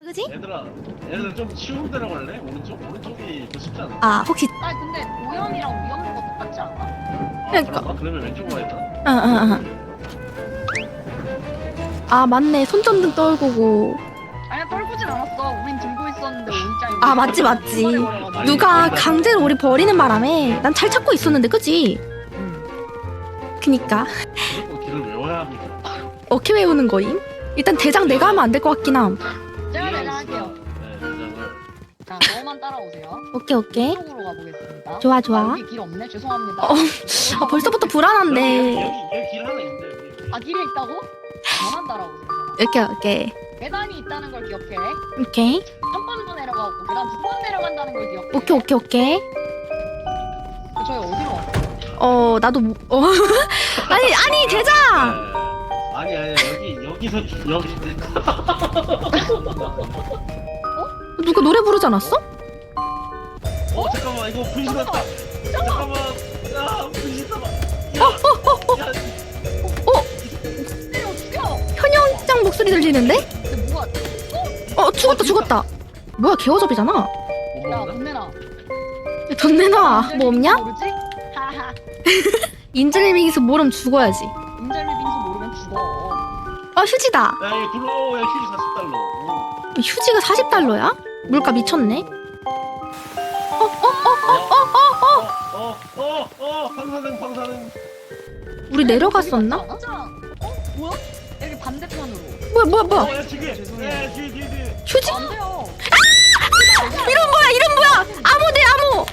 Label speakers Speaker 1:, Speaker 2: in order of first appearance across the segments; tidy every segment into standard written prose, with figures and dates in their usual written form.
Speaker 1: 그지?
Speaker 2: 얘들아 좀 쉬운 데로 갈래? 오른쪽이 더 쉽지 않아?
Speaker 1: 아 혹시
Speaker 3: 아니 근데 오염이랑 위험한 거 똑같지 않아?
Speaker 2: 아,
Speaker 1: 그러니까.
Speaker 2: 그런가? 그러면 왼쪽으로 가야겠다.
Speaker 1: 아 맞네 손전등 떨구고.
Speaker 3: 아니야 떨구진 않았어. 우린 들고 있었는데 오일장이.
Speaker 1: 아, 맞지.
Speaker 2: 아니,
Speaker 1: 누가
Speaker 2: 거기다-
Speaker 1: 강제로 우리 버리는 바람에 난 잘 찾고 있었는데 그지? 그니까
Speaker 2: 무조건 길을 외워야 합니다.
Speaker 1: 어떻게 외우는 거임? 일단 대장 내가 하면 안 될 것 같긴 함.
Speaker 3: 제가 대장할게요.
Speaker 2: 네, 대장을.
Speaker 3: 자, 너만 따라오세요.
Speaker 1: 오케이
Speaker 3: 이쪽으로 가보겠습니다.
Speaker 1: 좋아
Speaker 3: 아, 여기 길 없네. 죄송합니다.
Speaker 1: 아 벌써부터 불안한데.
Speaker 2: 여기 길 하나 있는데. 여기.
Speaker 3: 아, 길에 있다고? 저만 따라오세요.
Speaker 1: 오케이
Speaker 3: 계단이 있다는 걸 기억해.
Speaker 1: 오케이
Speaker 3: 한 번 더 내려가고 계단 두 번 내려간다는 걸 기억해.
Speaker 1: 오케이
Speaker 3: 저희 어디로 왔어?
Speaker 1: 나도 아니 대장
Speaker 2: 네. 아니 여기서 여기.
Speaker 1: 누가 노래 부르지 않았어?
Speaker 2: 잠깐만 이거 분신 났다. 잠깐만. 야 분신 났다. 야.
Speaker 3: 죽여!
Speaker 1: 현영장 목소리 들리는데?
Speaker 3: 근데 뭐가
Speaker 1: 죽었다 뭐야 개어접이잖아.
Speaker 3: 야, 돈 내놔.
Speaker 1: 돈 내놔. 뭐 없냐?
Speaker 3: 모르지? 하하.
Speaker 1: 인질링에서 모름 죽어야지.
Speaker 3: 인절미 빙수 모르면 죽어.
Speaker 1: 휴지다.
Speaker 2: 야 이거 들어오야 휴지 40달러.
Speaker 1: 휴지가 40달러야? 물가 미쳤네.
Speaker 2: 방사능.
Speaker 1: 우리 내려갔었나?
Speaker 3: 뭐야? 여기 반대편으로.
Speaker 1: 뭐야?
Speaker 2: 야 지금.
Speaker 3: 죄송해요.
Speaker 2: 뒤에.
Speaker 1: 휴지?
Speaker 3: 안 돼요.
Speaker 1: 이름 뭐야? 암호 대 암호.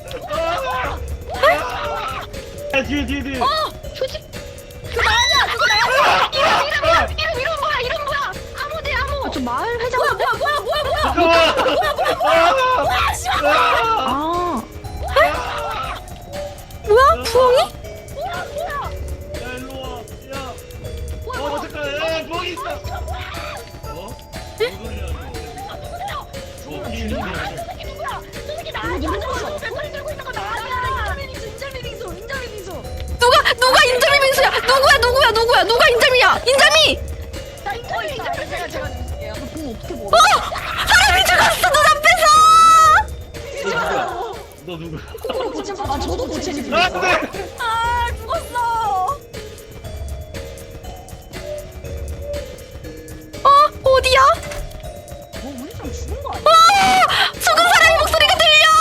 Speaker 2: 야 뒤에.
Speaker 1: 휴지?
Speaker 3: 그거 나야. 이름 뭐야? 아무 대 아무.
Speaker 1: 저 마을 회장.
Speaker 2: 잠깐만.
Speaker 1: 뭐야? 부엉이?
Speaker 2: 야 일로 와. 야. 잠깐. 야 거기 있어. 뭔 소리야 이거.
Speaker 3: 저 새끼 나야. 배터리 들고 있는 거 나야. 인절미 빙수.
Speaker 1: 누가 인절미 빙수야? 누가 인절미야? 인절미!
Speaker 3: 자, 인절미. 제가 줄게요. 공 어떻게 먹어?
Speaker 1: 사람이 죽었어 눈앞에서!
Speaker 2: 너 누구야?
Speaker 3: 아, 저도 고체지.
Speaker 2: 안돼.
Speaker 3: 아, 죽었어.
Speaker 1: 어디야?
Speaker 3: 우리 좀 죽은 거 아니야?
Speaker 1: 죽은 사람의 목소리가 들려!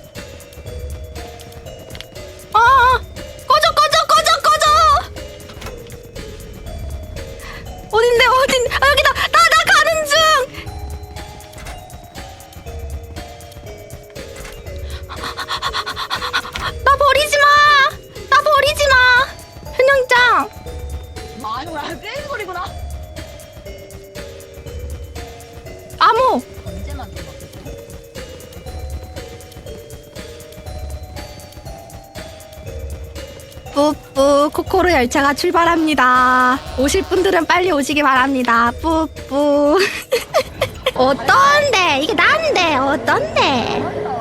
Speaker 1: 꺼져! 어딘데? 여기다! 나 가는 중! 나 버리지 마! 현영장!
Speaker 3: 아, 이거 게임 소리구나.
Speaker 1: 암호!
Speaker 3: 언제만 들어?
Speaker 1: 뿌뿌 코코로 열차가 출발합니다. 오실 분들은 빨리 오시기 바랍니다. 뿌뿌 어떤데? 이게 난데 어떤데?